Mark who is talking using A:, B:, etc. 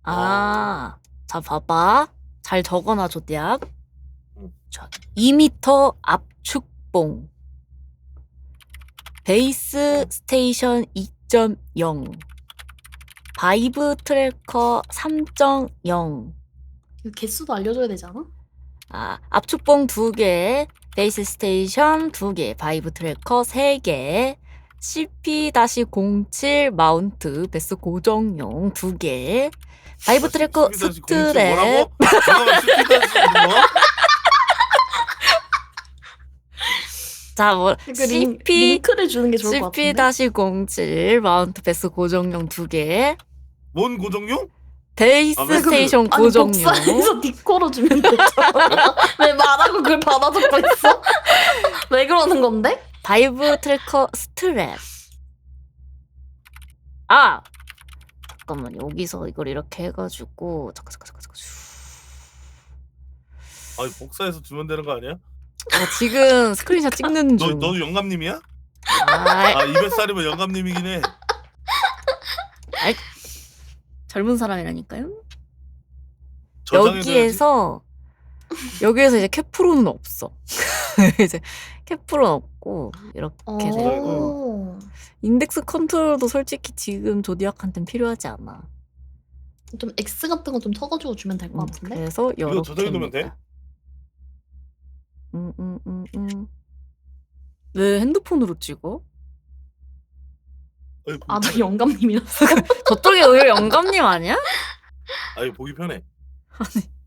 A: 자, 봐봐. 잘 적어놔줘, 대학.
B: 응.
A: 자, 2m 압축봉. 베이스 스테이션 2.0. 바이브 트래커 3.0.
C: 이거 개수도 알려줘야 되지 않아?
A: 압축봉 2개, 베이스 스테이션 2개, 바이브 트래커 3개, CP-07 마운트 베스 고정용 2개, 바이브 트래커 스트랩.
B: 뭐라고? 잠깐만, CP-07 뭐?
A: 자,
C: 링크를 주는 게 좋을 것 같은데.
A: CP-07 마운트 베스 고정용 2개,
B: 뭔 고정용?
A: 베이스 스테이션 고정용.
C: 복사해서 니코로 주면 되잖아. 왜 말하고 그걸 받아 적고 있어? 왜 그러는 건데?
A: 바이브 트래커 스트랩. 잠깐만, 여기서 이걸 이렇게 해가지고 잠깐.
B: 아니, 복사해서 주면 되는 거 아니야?
A: 지금 스크린샷 찍는 중.
B: 너도 영감님이야?
A: 아,
B: 200살이면 영감님이긴 해.
A: 젊은 사람이라니까요.
B: 저장해둬야지.
A: 여기에서 이제 캡프로는 없어. 이제 캡프로는 없고 이렇게 되고, 인덱스 컨트롤도 솔직히 지금 조디악한테는 필요하지 않아.
C: 좀 X 같은 거 좀 적어주고 주면 될 것 같은데?
A: 그래서
B: 이거 저장해두면 돼?
A: 왜 핸드폰으로 찍어?
B: 아니,
C: 너 영감님이었어?
A: 저쪽에 의외 영감님 아니야?
B: 아니, 보기 편해.
A: 아니